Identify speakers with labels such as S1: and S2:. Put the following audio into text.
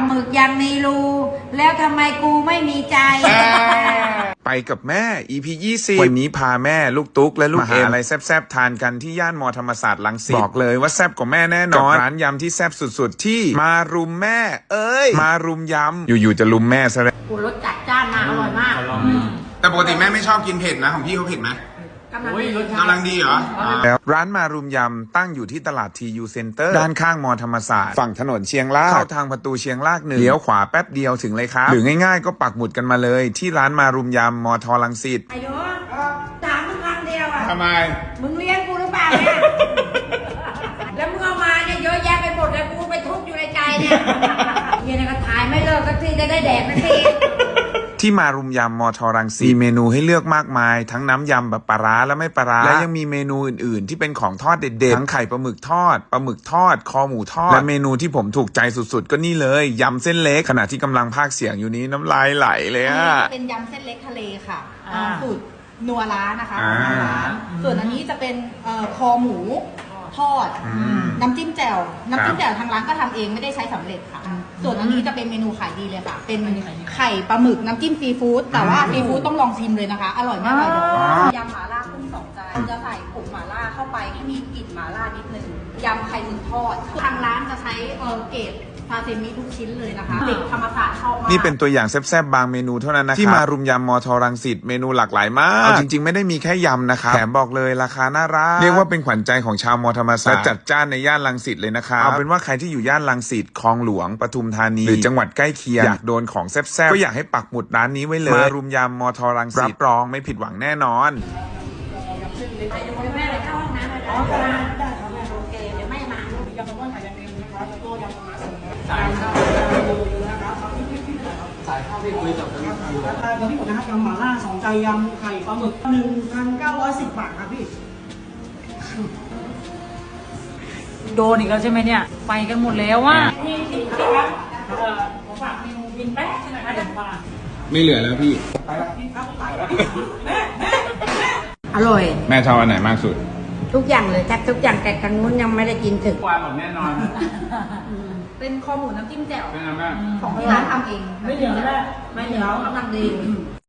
S1: หมึกยังมีรูแล้วทำไมกูไม่มีใจ
S2: ไปกับแม่ EP 20 วันนี้พาแม่ลูกตุ๊กและลูกเอ็มอะไรแซ่บๆทานกันที่ย่านมอธรรมศาสตร์รังสิตบอกเลยว่าแซ่บกว่าแม่แน่นอนร้านยำที่แซ่บสุดๆที่มารุมแม่มารุมยำอยู่ๆจะรุมแม่ซะแล้ว
S1: กูรสจัดจ้านมากอร่อยมาก
S3: แต่ปกติแม่ไม่ชอบกินเผ็ดนะของพี่เขาเผ็ดไหมกำลังดีเหรอ
S2: แล้วร้านมารุมยำตั้งอยู่ที่ตลาดทียูเซ็นเตอร์ด้านข้างมอธรรมศาสตร์ฝั่งถนนเชียงรากเข้าทางประตูเชียงราก1เลี้ยวขวาแป๊บเดียวถึงเลยครับหรือง่ายๆก็ปักหมุดกันมาเลยที่ร้านมารุมยำมอทอรังสิต
S1: ไอ้โยถามมึงคำเดียวอ่ะ
S3: ทำไม
S1: มึงเลี้ยงกูหรือเปล่าเนี่ยแล้วมึงเอามาเนี่ยเยอะแยะไปหมดเลยกูไปทุกข์อยู่ในใจเนี่ยเย็นก็ถ่ายไม่เลิกสักทีจะได้แดกสักที
S2: ที่มารุมยำมอทอรังสิตมีเมนูให้เลือกมากมายทั้งน้ำยำแบบปลาร้าและไม่ปลาร้าและยังมีเมนูอื่นๆที่เป็นของทอดเด็ดๆทั้งไข่ปลาหมึกทอดคอหมูทอดและเมนูที่ผมถูกใจสุดๆก็นี่เลยยำเส้นเล็กขณะที่กำลังพากย์เสียงอยู่นี้น้ำลายไหลเลยอะ
S4: เป็นยำเส้นเล็กทะเลค่ะสูตรนัวร้านนะคะนัวร้านส่วนอันนี้จะเป็นคอหมูทอดน้ำจิ้มแจ่วทางร้านก็ทำเองไม่ได้ใช้สำเร็จค่ะส่วนอันนี้จะเป็นเมนูขายดีเลยค่ะเป็นไข่ปลาหมึกน้ำจิ้มซีฟู้ดแต่ว่าซีฟู้ดต้องลองชิมเลยนะคะอร่อยมากเลยยำหม่าล่ากุ้ง2 จานจะใส่ผงหม่าล่าเข้าไปให้มีกลิ่นหม่าล่านิดนึงยำไข่หมึกทอดทางร้านจะใช้เกรดซาซิมิทุกชิ้นเลยนะคะเด็กธรรมศาสตร์ชอบมาก
S2: นี่เป็นตัวอย่างแซ่บๆบางเมนูเท่านั้นนะครับที่มารุมยำมอทอรังสิตเมนูหลากหลายมากจริงๆไม่ได้มีแค่ยำนะครับแถมบอกเลยราคาน่ารักเรียกว่าเป็นขวัญใจของชาวมอธรรมศาสตร์จัดจ้านในย่านรังสิตเลยนะครับเอาเป็นว่าใครที่อยู่ย่านรังสิตคลองหลวงปทุมธานีหรือจังหวัดใกล้เคียงอยากโดนของแซ่บๆก็อยากให้ปักหมุดร้านนี้ไว้เลยมารุมยำมอทอรังสิตรับรองไม่ผิดหวังแน่นอน
S1: แม่เลยเข้าห้องน้ำเลยโอเคเดี๋ยวแม่มา
S5: สายข้าวที่คุยกับตอนนี้ผมนะครับยำหม่าล่า2 ใจยำไข่ปลาหมึก 1,910 บาทครับพี่
S6: โดนอีกแล้วใช่ไหมเนี่ยไปกันหมดแล้วว่าพี่ครับผมฝากเมนูบินแป๊ะใช่ไหมคะเดี๋ยวมา
S3: ไม่เหลือแล้วพี่
S1: อร่อย
S3: แม่ชอบอันไหนมากสุด
S1: ทุกอย่างเลยแทบทุกอย่างแต่ทางนู้นยังไม่ได้กินถึง
S3: กว่าหมดแน่นอน
S4: เป็นคอหมูน้ำจิ้มแจ่ว
S3: ไม่นะแม่
S4: ของที่ร้านทำเอง
S6: ไม่เหลือแล้ว
S1: ไม่เหนียวกำลังดี